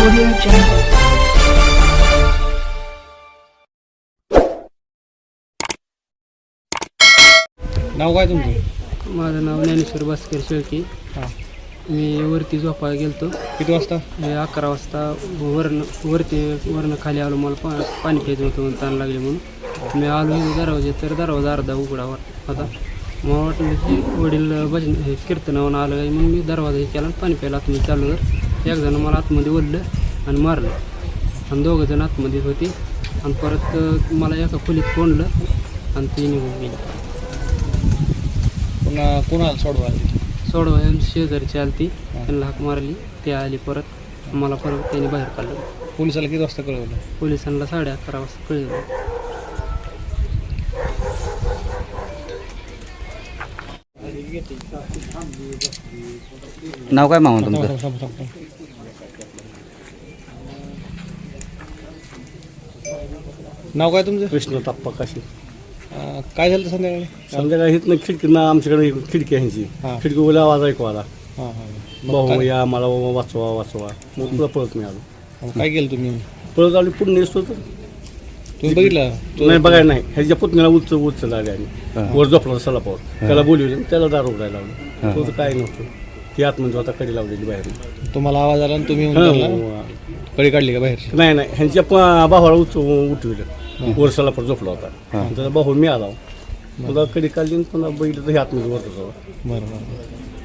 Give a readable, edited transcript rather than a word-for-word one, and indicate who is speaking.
Speaker 1: Audio Jungle.
Speaker 2: नाव काय तुमचं?
Speaker 3: माझं नाव ज्ञानेश्वर भास्कर शेळके.
Speaker 2: हां.
Speaker 3: मी वरती झोपायला गेलतो.
Speaker 2: किती वाजता?
Speaker 3: 11 वाजता वरनं खाली आलो. मला पाणी प्यायचं होतं म्हणून ताण लागले म्हणून मी आलो दरवाजे तर दरवाजा अर्धा उघडावर होता. मला वाटलं की वडील भजन कीर्तनावरून आलं आहे म्हणून मी दरवाजा हे केला आणि पाणी प्यायला आतमध्ये चालू तर एक जण मला आतमध्ये ओढलं आणि मारलं आणि दोघंजण आतमध्ये होती आणि परत मला एका खोलीत कोंडलं आणि ती निघून गेली.
Speaker 2: पुन्हा कोणाला सोडवा?
Speaker 3: सोडवा शेजारची आली ती त्यांना हाक मारली. ती आली परत मला परत त्यांनी बाहेर काढलं.
Speaker 2: पोलिसाला किती वाजता कळवलं?
Speaker 3: पोलिसांना 11:30 वाजता कळलं.
Speaker 4: नाव काय मामा तुमचं?
Speaker 2: नाव काय तुमचं?
Speaker 5: कृष्ण ताप्पा काशी.
Speaker 2: काय झालं संध्याकाळी?
Speaker 5: संध्याकाळी इथनं खिडकीनं आमच्याकडे खिडकी आहे ह्यांची.
Speaker 2: हां.
Speaker 5: खिडकीवर आवाज ऐकू आला,
Speaker 2: हां हां.
Speaker 5: भाऊ या मला वाचवा वाचवा. मग तुला पळत मी आलो.
Speaker 2: काय केलं तुम्ही?
Speaker 5: पळत आलो पुढे नेसतो तर
Speaker 2: तुम्ही बघितलं?
Speaker 5: नाही बघायला नाही. ह्याच्या पुतण्याला उचल आले आणि वर झोपला सलापावर. त्याला बोलवले त्याला दारू उघडायला लावलं. तो तर काय नव्हतं. ती आतमध्ये आता कडी लावलेली बाहेर.
Speaker 2: तुम्हाला आवाज आला आणि तुम्ही कडी काढली का बाहेर?
Speaker 5: नाही नाही ह्यांच्या भावाला उठविलं. वर सलापावर झोपला होता. त्याचा भाऊ मी आला. पुन्हा कडी काढली आणि पुन्हा बघितलं तर हे आतमध्ये वरत होता.
Speaker 2: बरं बरं.